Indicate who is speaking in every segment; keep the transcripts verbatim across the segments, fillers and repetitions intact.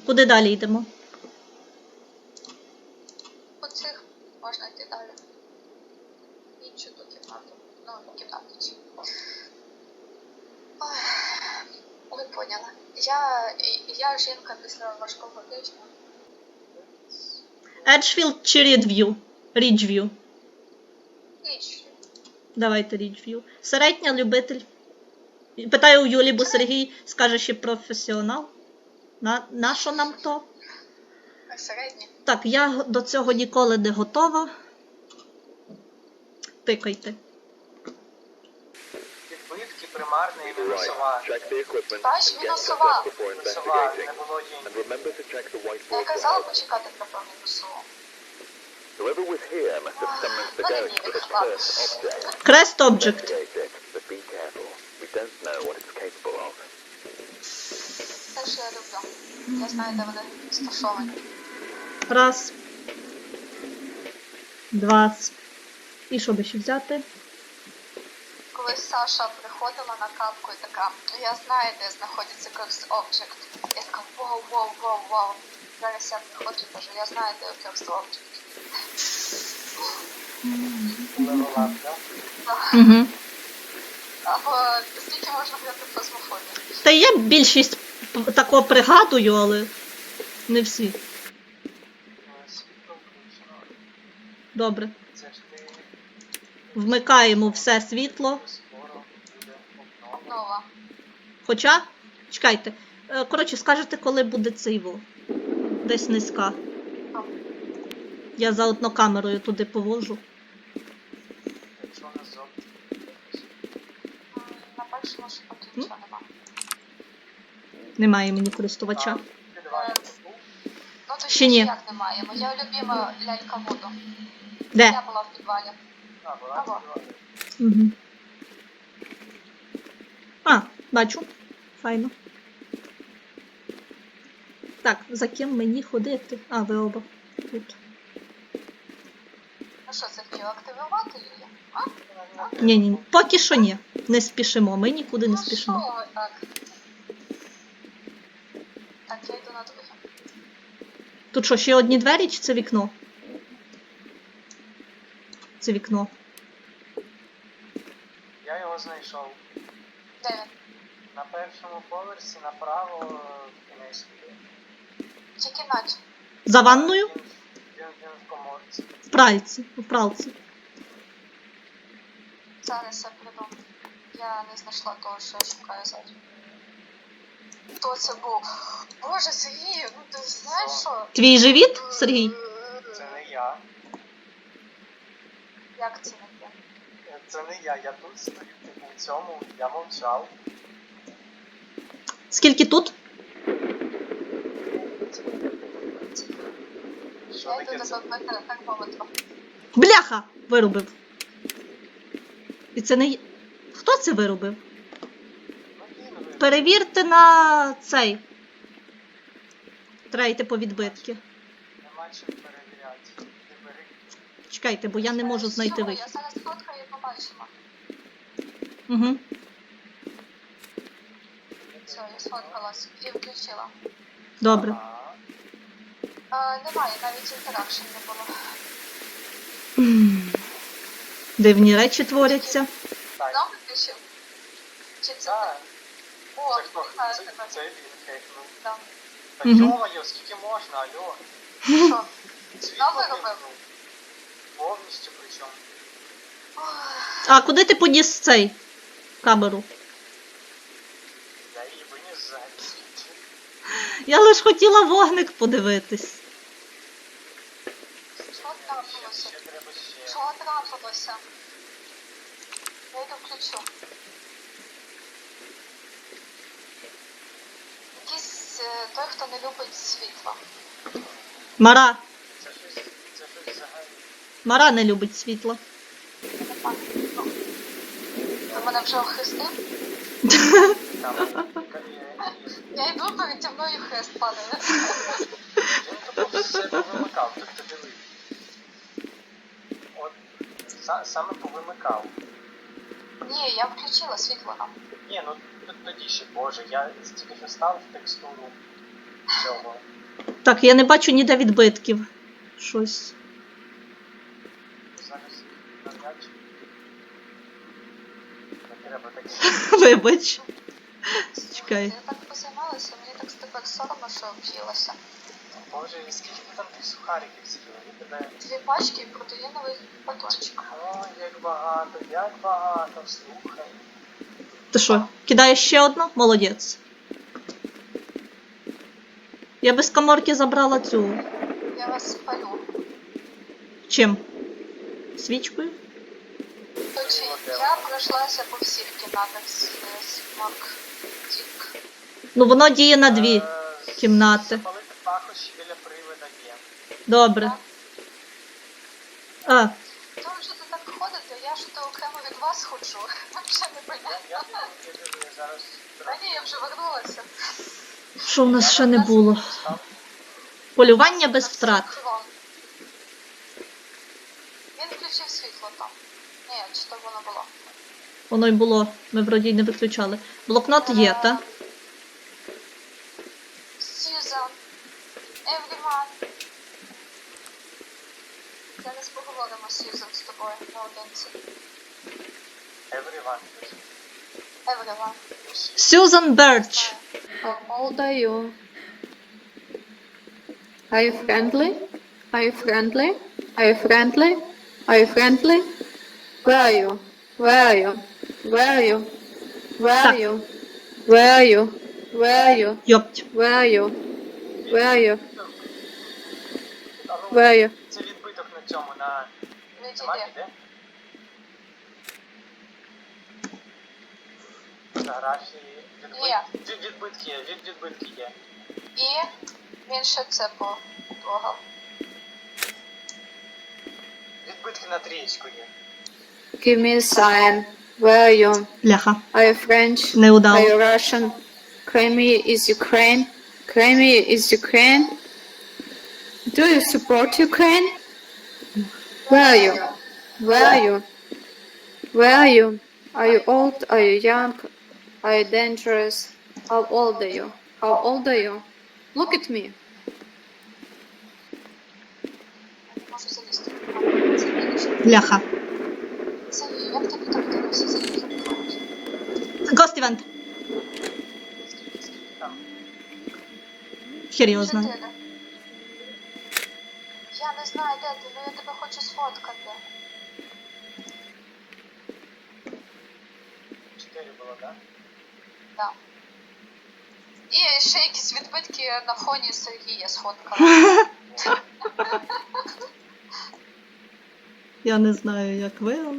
Speaker 1: Куди далі йдемо?
Speaker 2: По цих можна йти далі. Іншу ту кімнату. Ну, кімнату цю. Ой, ви поняли. Я, я жінка після важкого тижня.
Speaker 1: Еджфілд чи Рідв'ю? Ріджв'ю.
Speaker 2: Ніч.
Speaker 1: Давайте Ріджв'ю. Середня, любитель. Питаю у Юлі, бо Сергій скаже, що професіонал. На, на що нам то?
Speaker 2: Середня.
Speaker 1: Так, я до цього ніколи не готова. Тикайте.
Speaker 3: Відбитки, примарна і мінусова.
Speaker 2: Бач, мінусова.
Speaker 3: Мінусова, не було її.
Speaker 2: Я казала почекати про мінусову.
Speaker 4: Whoever was here must have summoned the
Speaker 2: Мене
Speaker 4: ghost
Speaker 2: ніби
Speaker 4: of a
Speaker 2: хват.
Speaker 4: cursed object.
Speaker 1: Крест Object.
Speaker 4: Investigate it, but be careful. We don't know what it's capable of.
Speaker 2: Те, що я люблю. Я знаю, де вони розташовані.
Speaker 1: Раз. Два. І що би ще взяти?
Speaker 2: Колись Саша приходила на капку і така, я знаю, де знаходиться Cursed Object. Я така, вау, вау, вау, вау. Зараз я приходжу і кажу, я знаю, де Cursed Object.
Speaker 3: Левелап, так?
Speaker 1: Угу.
Speaker 2: Або скільки можна грати фазмофобію?
Speaker 1: Та я більшість п- такого пригадую, але не всі.
Speaker 3: Світло включено.
Speaker 1: Добре.
Speaker 3: Це ж ти
Speaker 1: Вмикаємо все світло.
Speaker 3: скоро буде обнова.
Speaker 2: Нова.
Speaker 1: Хоча, чекайте. Е, Коротше, скажете, коли буде цей во. Десь низька. Я заодно камерою туди повожу.
Speaker 3: Якщо не зовсім.
Speaker 2: М, На першому шпаті нічого нема.
Speaker 1: Немає мені користувача.
Speaker 3: Підвалі був.
Speaker 2: Ну то
Speaker 1: Ще ні.
Speaker 2: ніяк немає. Моя любима лялька воду.
Speaker 1: Де?
Speaker 2: Я була в підвалі.
Speaker 3: А, була
Speaker 2: Ага.
Speaker 3: підвалі.
Speaker 1: Угу. А, бачу. Файно. Так, за ким мені ходити? А, ви оба тут.
Speaker 2: Ну що, це хотіла активувати її? А?
Speaker 1: Ні, ні, поки що ні. Не спішимо, ми нікуди не
Speaker 2: Ну
Speaker 1: спішимо.
Speaker 2: що ви так? Так, я йду на друге.
Speaker 1: Тут що, ще одні двері чи це вікно? Це вікно.
Speaker 3: Я його знайшов.
Speaker 2: Де він?
Speaker 3: На першому поверсі направо в кінець туди.
Speaker 2: Тільки наче.
Speaker 1: За ванною?
Speaker 3: Він, він, він в коморці.
Speaker 1: В пральці. В пралці.
Speaker 2: Зараз я придумаю. Я не знайшла того, що я шукаю зараз. Хто це був? Боже, Сергій, ну ти знаєш що?
Speaker 1: Твій живіт, Сергій?
Speaker 3: Це не я.
Speaker 2: Як це не те?
Speaker 3: Це не я. Я тут стою, типу, в цьому. Я мовчав.
Speaker 1: Скільки тут?
Speaker 3: Що
Speaker 2: Я йду
Speaker 3: таке
Speaker 2: до
Speaker 3: це?
Speaker 2: термометра, термометру.
Speaker 1: Бляха! Виробив. І це не... я. Хто це виробив?
Speaker 3: Ну, кинули.
Speaker 1: Перевірте на цей. Треба йти по відбитки.
Speaker 3: Нема чим перевіряти. Ти бери.
Speaker 1: Чекайте, бо я не можу знайти
Speaker 2: Що?
Speaker 1: вихід.
Speaker 2: Я зараз фоткаю і побачимо.
Speaker 1: Угу.
Speaker 2: Все, я сфоткалась і включила.
Speaker 1: Добре.
Speaker 3: Ага.
Speaker 2: А, немає, навіть інтеракшн не було.
Speaker 1: Дивні речі творяться.
Speaker 3: Так.
Speaker 2: Знову включив? Чи це
Speaker 3: Так.
Speaker 2: ти? О,
Speaker 3: Це хто?
Speaker 2: вітаю
Speaker 3: Це,
Speaker 2: тебе.
Speaker 3: це він хекнув.
Speaker 2: Да.
Speaker 3: Та
Speaker 1: Мгм.
Speaker 3: йо-моє, скільки можна, алло.
Speaker 2: Що?
Speaker 3: Світло
Speaker 2: виробив?
Speaker 3: вимкнув. Повністю причому.
Speaker 2: Ох,
Speaker 1: А куди ти поніс цей камеру?
Speaker 3: Я її виніс за світ.
Speaker 1: Я лиш хотіла вогник подивитись.
Speaker 2: що трапилося?
Speaker 3: Ще треба ще.
Speaker 2: Що трапилося? Я йду включу. Якийсь е, той, хто не любить світло.
Speaker 1: Мара.
Speaker 3: Це щось, це щось взагалі.
Speaker 1: Мара не любить світло.
Speaker 2: Я не пам'ятаю. Ну, ти мене вже охрестив?
Speaker 3: Там є-
Speaker 2: Я йду, переді мною хрест падає.
Speaker 3: Він тут все повимикав, тобто диви. От са- саме повимикав.
Speaker 2: Ні, я включила світло нам.
Speaker 3: Ні, ну т- тоді ще, боже, я тільки що став в текстуру. Чого?
Speaker 1: Так, я не бачу ніде відбитків. Щось.
Speaker 3: Зараз навряд чи. Не треба таке.
Speaker 1: Вибач. Чекай.
Speaker 2: Я так позаймалася, мені так тепер соромно, що об'їлася.
Speaker 3: Боже, і скільки ти там тих сухариків з'їла? Я тебе...
Speaker 2: Дві пачки і протеїновий батончик.
Speaker 3: Ой, як багато, як багато, слухай.
Speaker 1: Ти що, кидаєш ще одну? Молодець. Я без каморки забрала цю.
Speaker 2: Я вас спалю.
Speaker 1: Чим? Свічкою?
Speaker 2: Короче, я пройшлася по всіх кімнатах з Смок Тік.
Speaker 1: Ну, воно діє на дві
Speaker 3: Е,
Speaker 1: кімнати.
Speaker 3: Запалити пахощі біля привида є.
Speaker 1: Добре. А,
Speaker 2: То вже ти так ходите, я ж то окремо від вас ходжу. Вже не
Speaker 3: Я,
Speaker 2: понятно.
Speaker 3: я піду, я піду, я зараз...
Speaker 2: Та ні, я вже вернулася.
Speaker 1: що в нас ще не було? Полювання без втрат.
Speaker 2: Крон. Він включив світло там. Ні, чи то воно було?
Speaker 1: Воно й було. Ми вроді й не виключали. Блокнот є, та?
Speaker 2: Сьюзан. Евріман. Зараз поговоримо з Сьюзан з тобою наодинці.
Speaker 3: Everyone.
Speaker 2: Евріман.
Speaker 1: Сюзан Берч.
Speaker 5: How old are you? Are you friendly? Are you friendly? Are you friendly? Are you friendly? Where are you? Where are you? Where are you? Where are you? Where are you? Where are you?
Speaker 1: Йопть.
Speaker 5: Where are you? Where are you?
Speaker 3: А ну,
Speaker 5: Where are you?
Speaker 3: це відбиток на цьому, на... на
Speaker 2: Відійди.
Speaker 3: мапі, де? Фотографії,
Speaker 2: Є.
Speaker 3: відбит... від, відбитки є, від відбитки є.
Speaker 2: І він ще це потрогав.
Speaker 3: Відбитки на трієчку є.
Speaker 5: Give me a sign. Where are you?
Speaker 1: Ляха.
Speaker 5: Are you French?
Speaker 1: Не
Speaker 5: Are
Speaker 1: удало.
Speaker 5: you Russian? Crimea is Ukraine. Crimea is Ukraine. Do you support Ukraine? Where are you? Where are you? Where are you? Are you old? Are you young? Are you dangerous? How old are you? How old are you? Look at me.
Speaker 2: Я не можу залізти. Це більше.
Speaker 1: Ляха.
Speaker 2: Це як тобі так вдалося залізти?
Speaker 1: Ghost Event.
Speaker 3: Скільки, скільки там?
Speaker 1: Хер його знає.
Speaker 2: Чотири. Я не знаю, де ти, ну я тебе хочу сфоткати.
Speaker 3: Чотири було, так?
Speaker 2: Да. І ще якісь відбитки на фоні Сергія сфоткала.
Speaker 1: Я не знаю, як ви, але...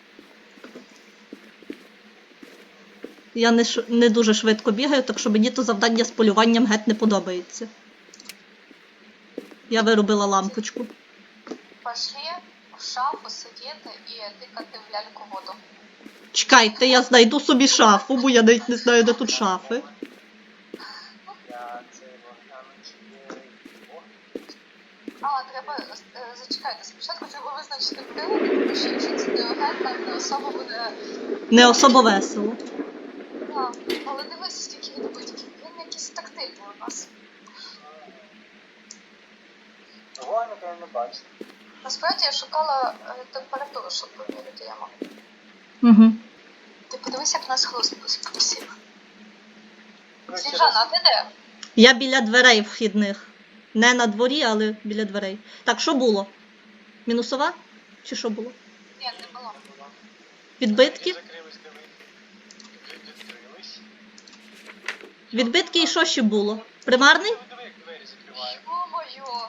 Speaker 1: Я не, ш... не дуже швидко бігаю, так що мені то завдання з полюванням геть не подобається. Я виробила лампочку.
Speaker 2: Пошли в шафу сидіти і тикати в ляльку воду.
Speaker 1: Чекайте, я знайду собі шафу, бо я навіть не знаю, де тут шафи.
Speaker 3: Я це гляну, чи є його.
Speaker 2: А, треба, е, зачекайте, спочатку треба визначити приводи, тому що якщо це Діоген, там не особо буде...
Speaker 1: Не особо весело.
Speaker 2: Да. Але дивися, скільки відбитків. Він якийсь тактильний у нас.
Speaker 3: Вогника я не бачу.
Speaker 2: Насправді я шукала е, температуру, щоб поміряти яму.
Speaker 1: Угу.
Speaker 2: Ти подивись, як у нас хлост просів.
Speaker 3: Ну,
Speaker 2: Сніжана, а ти де?
Speaker 1: Я біля дверей вхідних. Не на дворі, але біля дверей. Так, що було? Мінусова? Чи що було?
Speaker 2: Ні, не було.
Speaker 1: Відбитки?
Speaker 3: Закрились, дивись. Відкрились.
Speaker 1: Відбитки і що ще було? Примарний?
Speaker 3: Диви, як двері закривають.
Speaker 2: Ё-моё!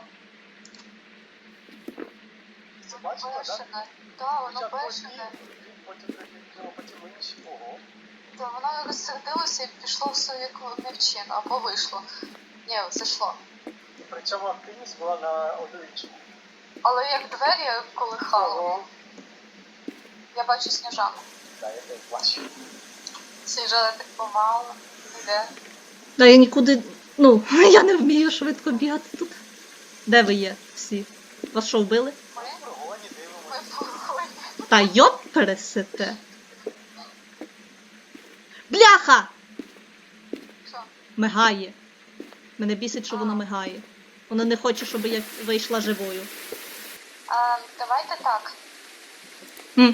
Speaker 3: Це бачила, так?
Speaker 2: Бешене. Да, воно
Speaker 3: Спочатку
Speaker 2: бешене.
Speaker 3: одні, потім відкрило, потім інші. Ого.
Speaker 2: Да, воно розсердилося і пішло в свою невчину, або вийшло. Ні, зайшло.
Speaker 3: І при цьому активність була на одиничку.
Speaker 2: Але як двері колихало,
Speaker 3: Ого.
Speaker 2: я бачу Сніжану.
Speaker 3: Так, я теж бачу.
Speaker 2: Сніжана так помало, іде.
Speaker 1: Да я нікуди. Ну, я не вмію швидко бігати тут. Де ви є всі? Вас що, вбили?
Speaker 2: Ми,
Speaker 3: В прогоні
Speaker 2: ми
Speaker 3: дивимося.
Speaker 2: в погоні.
Speaker 1: Та йоп пересите. Бляха!
Speaker 2: Що?
Speaker 1: Мигає. Мене бісить, що воно мигає. Воно не хоче, щоб я вийшла живою.
Speaker 2: А, давайте так.
Speaker 1: Хм.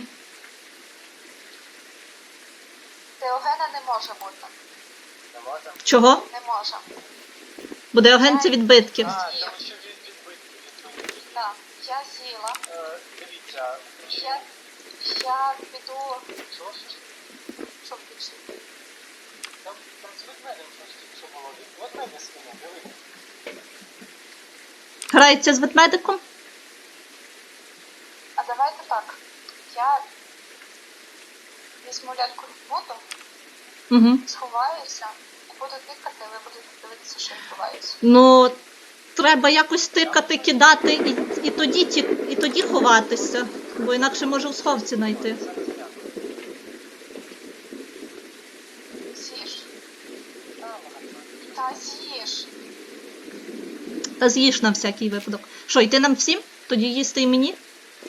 Speaker 2: Теогена не може бути.
Speaker 3: Не можемо?
Speaker 1: Чого?
Speaker 2: Не може.
Speaker 1: Буде агенція відбитків.
Speaker 3: А, тому що від відбитки, відбитки.
Speaker 2: Так, я з'їла.
Speaker 3: Е, Дивіться,
Speaker 2: Я, я піду,
Speaker 3: що ж?
Speaker 2: щоб піти.
Speaker 3: Там, там з ведмедем щось тільки що було. Від ведмедя скинув, дивіться.
Speaker 1: Грається з ведмедиком?
Speaker 2: А давайте так. Я візьму ляльку в воду,
Speaker 1: Угу.
Speaker 2: сховаюся і буду тикати, ви будете дивитися, що відбувається.
Speaker 1: Ну, треба якось тикати, кидати і, і, тоді, ті, і тоді ховатися, бо інакше може у сховці знайти.
Speaker 2: З'їж.
Speaker 3: Та, ладно.
Speaker 2: Та з'їж.
Speaker 1: Та з'їж на всякий випадок. Що, йти нам всім? Тоді їсти і мені?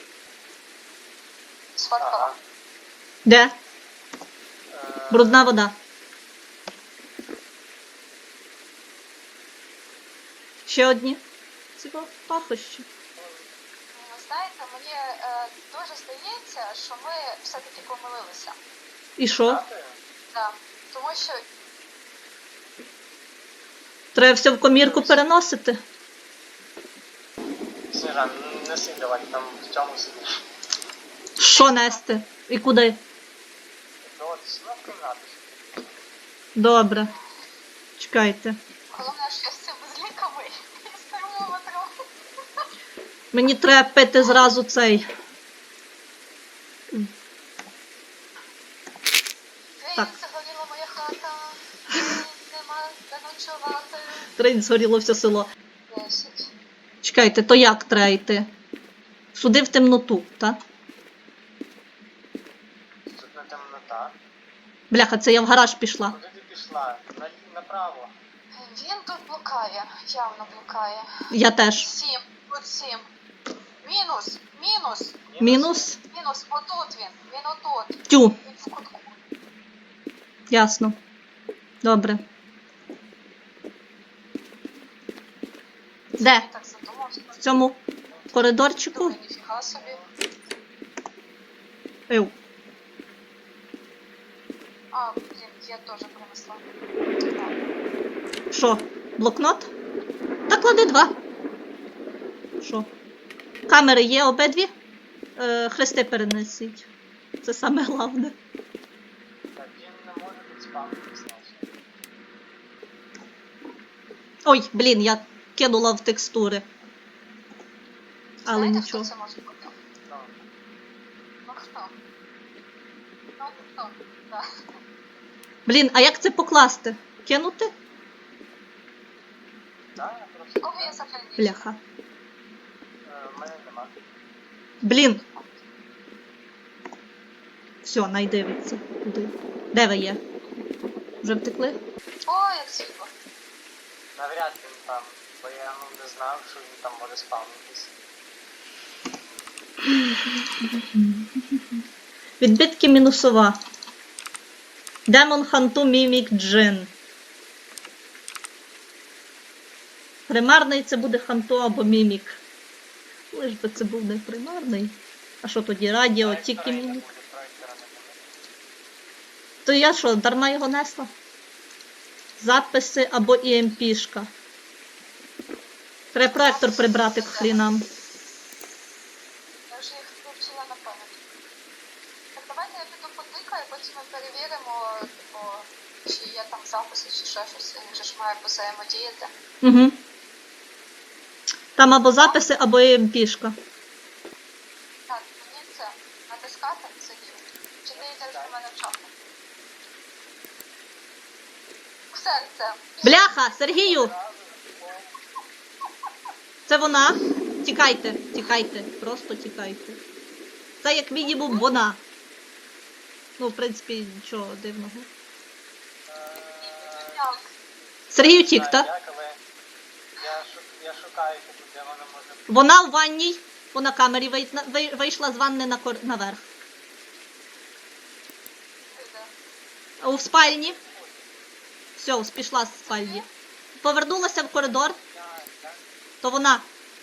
Speaker 2: Сфоткала.
Speaker 3: Ага.
Speaker 1: Де?
Speaker 3: Е,
Speaker 1: Брудна вода. Ще одні? Цього пахощі.
Speaker 2: Ви знаєте, мені е, дуже здається, що ми все-таки помилилися.
Speaker 1: І що?
Speaker 3: дякую.
Speaker 2: Да. Тому що
Speaker 1: Треба все в комірку переносити.
Speaker 3: Сніжан, не сидь, давай там в цьому сидиш.
Speaker 1: Що нести? І куди?
Speaker 3: То от сюди в кімнату.
Speaker 1: Добре. Чекайте.
Speaker 2: головне, що я з цими зліками і з термометром.
Speaker 1: Мені треба пити зразу цей. Так.
Speaker 2: Ей, загоріла моя хата, ей, нема де ночувати.
Speaker 1: Тринь, згоріло все село.
Speaker 2: Десять.
Speaker 1: Чекайте, то як треба йти? Суди в темноту, так?
Speaker 3: Тут не темнота.
Speaker 1: Бляха, це я в гараж пішла.
Speaker 3: Куди ти пішла? На, направо.
Speaker 2: Він тут блукає, явно блукає.
Speaker 1: Я теж.
Speaker 2: Сім, тут сім. Мінус, мінус,
Speaker 1: Мінус?
Speaker 2: мінус, отут він, він отут.
Speaker 1: Тю,
Speaker 2: Він в кутку.
Speaker 1: ясно. Добре. Де?
Speaker 2: Я так задумався.
Speaker 1: В цьому коридорчику?
Speaker 2: Думаю, ніфіга собі.
Speaker 1: Ев.
Speaker 2: А, блін, я теж принесла.
Speaker 1: Що? Блокнот? Та клади два. Що? Камери є обидві? Е, хрести перенесіть. Це саме головне.
Speaker 3: Так, він не може підспавнитись, значить.
Speaker 1: Ой, блін, я кинула в текстури. Але
Speaker 2: Знаєте,
Speaker 1: нічого.
Speaker 2: хто це може бути?
Speaker 3: Ну,
Speaker 2: Ну хто? Ну хто? Да.
Speaker 1: Блін, а як це покласти? Кинути?
Speaker 3: так, я просто...
Speaker 2: Кого я зафільнішу?
Speaker 1: Бляха.
Speaker 3: Е, в мене нема.
Speaker 1: Блін. Все, найдивиться. Куди? Де ви є? Вже втекли?
Speaker 2: О, як світло.
Speaker 3: Навряд він там, бо я ну, не знав, що він там може спавнитись.
Speaker 1: Відбитки мінусова. Демон Ханту Мімік Джин. Примарний це буде Ханту або Мімік. Лиш би це був не примарний. А що тоді? Радіо, тільки
Speaker 3: Проектора не
Speaker 1: Мімік.
Speaker 3: буде, проектора не буде.
Speaker 1: То я що, дарма його несла? Записи або і ем пі-шка. Треба проектор прибрати к хрінам.
Speaker 2: Я вже їх вивчила на пам'ять. Так давайте я піду потикаю, потім ми перевіримо, типу, чи є там записи, чи ще щось. Він же ж має взаємодіяти.
Speaker 1: Угу. Там або записи, або і ем пі-шка.
Speaker 2: Так, мені це натискати це ні. Чи ти йдеш до мене в чату? Все це.
Speaker 1: Бляха, Сергію! Це вона? Тікайте, тікайте, просто тікайте. Це як мінімум вона. Ну, в принципі, нічого дивного.
Speaker 2: Так.
Speaker 1: Сергію тік,
Speaker 3: Знаю,
Speaker 1: так?
Speaker 3: як, але я, шу... я шукаю, типу, де вона може бути.
Speaker 1: Вона в ванній, по на камері вий- вий- вийшла з ванни на кор... наверх.
Speaker 2: Ти де?
Speaker 1: А у спальні? Все, пішла з спальні. повернулася в коридор, то вона.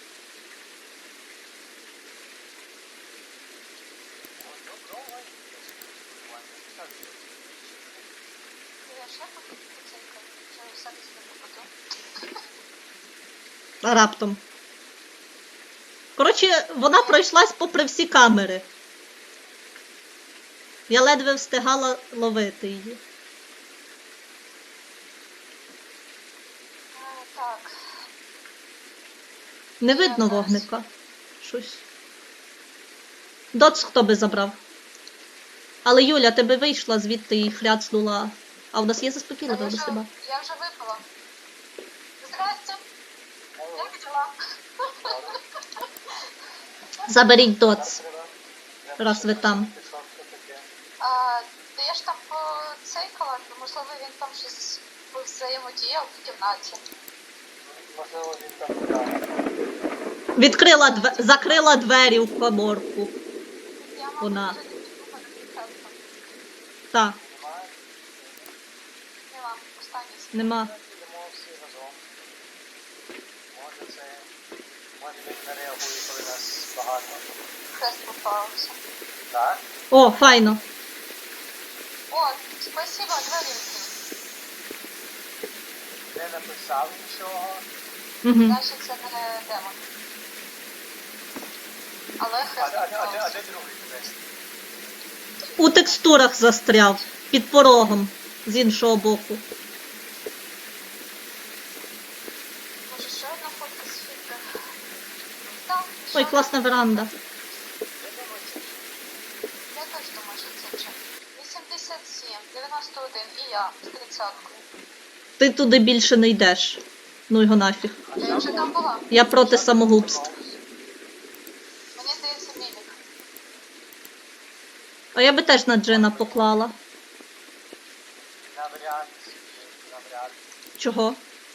Speaker 2: Я ще поки поцейкаю, вже все десь не попаду.
Speaker 1: А раптом. Коротше, вона пройшлась попри всі камери. Я ледве встигала ловити її.
Speaker 2: А, так.
Speaker 1: Не видно вогника. Щось. Доц хто би забрав. Але Юля, тебе вийшла звідти і хляцнула. А в нас є
Speaker 2: А
Speaker 1: заспокійливе
Speaker 2: я
Speaker 1: до
Speaker 2: вже,
Speaker 1: себе.
Speaker 2: я вже випила. Здрасте. Як діла?
Speaker 1: Заберіть доц, раз ви там.
Speaker 2: А, та я ж там поцейкала, то можливо він там щось взаємодіяв в кімнаті.
Speaker 3: Можливо, він там так.
Speaker 1: Відкрила две... закрила двері в коморку.
Speaker 2: Я мабуть,
Speaker 1: Вона.
Speaker 2: вже не піду на підкастом.
Speaker 1: Так,
Speaker 2: Нема, останній світ.
Speaker 1: нема.
Speaker 3: Йдемо всі разом. Може це... Може він не реагує, коли нас багато.
Speaker 2: Хрест попався.
Speaker 3: Так?
Speaker 1: О, файно.
Speaker 2: О, спасибо, двері відкрили.
Speaker 3: Не написав нічого.
Speaker 1: Угу.
Speaker 2: Значить, це не демон. Але
Speaker 3: А,
Speaker 2: хрест
Speaker 3: а, а, а, а
Speaker 2: попався.
Speaker 3: де другий квест?
Speaker 1: У текстурах застряв. Під порогом. З іншого боку.
Speaker 2: Може, ще одна фотка з фільтра? Так,
Speaker 1: Ой,
Speaker 2: що?
Speaker 1: класна веранда.
Speaker 3: Я думаю, це
Speaker 2: Я теж думаю, що це вже. вісімдесят сім, дев'яносто один і я з тридцяткою.
Speaker 1: Ти туди більше не йдеш. Ну його нафіг.
Speaker 2: Я вже там була.
Speaker 1: Я проти самогубств.
Speaker 2: Мені здається, мімік.
Speaker 1: А я би теж на Джина поклала.
Speaker 3: навряд, навряд.
Speaker 1: Чого?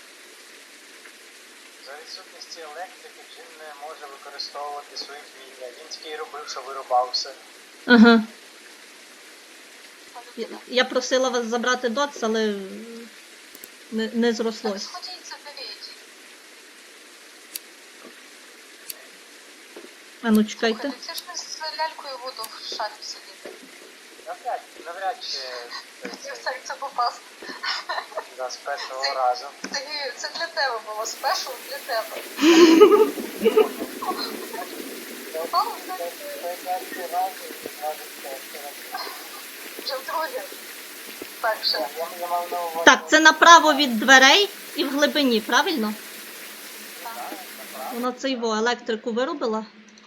Speaker 3: За відсутності електрики Джин не може використовувати свої вміння. Він тільки й робив, що вирубався.
Speaker 1: Ага. Я, я просила вас забрати доц, але не, не
Speaker 2: Так,
Speaker 1: зрослось.
Speaker 2: сходіть, заберіть.
Speaker 1: А ну чекайте.
Speaker 2: Слухайте, це ж не з лялькою буду в шафі сидіти.
Speaker 3: Навряд, навряд чи
Speaker 2: Я в серце попасти.
Speaker 3: да, з першого разу.
Speaker 2: Сергію, це для тебе було, спешл для тебе. О, так, вже вдруге. Перше.
Speaker 3: Я мав на увазі.
Speaker 1: Так, це направо від дверей і в глибині, правильно?
Speaker 2: Так.
Speaker 1: Вона це його електрику вирубила.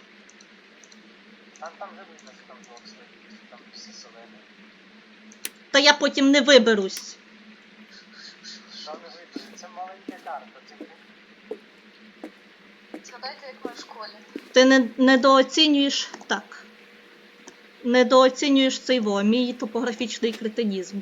Speaker 3: Там там вже видно, що там двох стоїть, що там все зелене.
Speaker 1: Та я потім не виберусь.
Speaker 3: Що не видно? Це маленька карта. Це
Speaker 2: Згадайте, як ми в школі.
Speaker 1: Ти не, недооцінюєш. Так. Недооцінюєш цей во, мій топографічний кретинізм.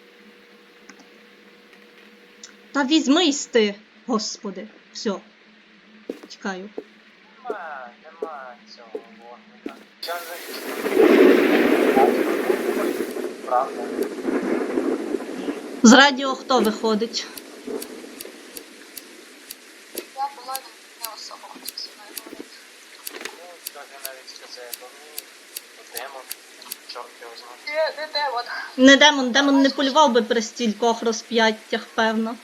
Speaker 1: Та візьмись ти, господи. Все. Чекаю.
Speaker 3: нема, нема цього вогника. Що не правда?
Speaker 1: З радіо хто виходить?
Speaker 2: Я була, він не особо хотів зі мною говорити.
Speaker 3: Ну, скажи навіть, що це бо мені демон. Чорт його знає.
Speaker 2: Не, не демон.
Speaker 1: Не демон, демон не полював би при стількох розп'яттях, певно.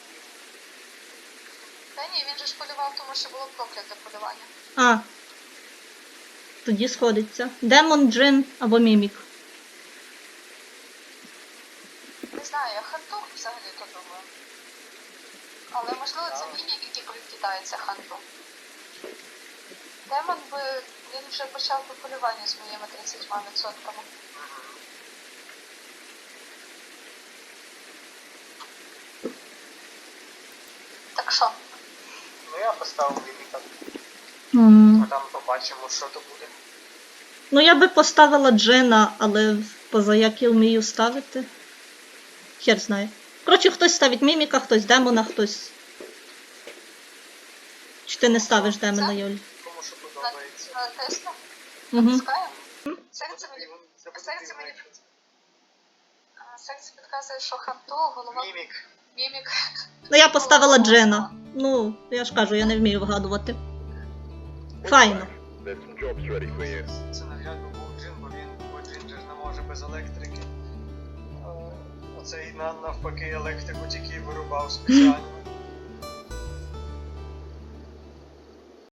Speaker 2: Та ні, він же ж полював, тому що було прокляте полювання.
Speaker 1: А. Тоді сходиться. Демон, джин або мімік.
Speaker 2: Не знаю, я хантух взагалі-то думаю. Але можливо це мімік, який прикидається ханту. Демон би, він вже почав би полювання з моїми тридцятьма відсотками. Так що?
Speaker 3: Ну я поставив ліміта,
Speaker 1: М.
Speaker 3: а там побачимо, що то буде.
Speaker 1: Ну, я би поставила джина, але поза як я вмію ставити. Хер знає. Коротше, хтось ставить міміка, хтось демона, хтось. Чи ти не ставиш демона, Юль?
Speaker 3: Кому що
Speaker 2: На,
Speaker 3: подобається.
Speaker 2: на теста?
Speaker 1: Угу.
Speaker 2: Натискаємо? Серце мені,
Speaker 3: Забудь
Speaker 2: серце мені,
Speaker 3: мімік.
Speaker 2: а, серце підказує, що ханту, голова...
Speaker 3: Мімік.
Speaker 2: Мімік.
Speaker 1: Ну, я поставила Джена. Ну, я ж кажу, я не вмію вгадувати. Файно.
Speaker 4: There's some jobs ready for you.
Speaker 3: Це наглядно був Джин, бо він, бо Джин же ж не може без електрики. Е, Оцей на- навпаки електрику тільки вирубав спеціально.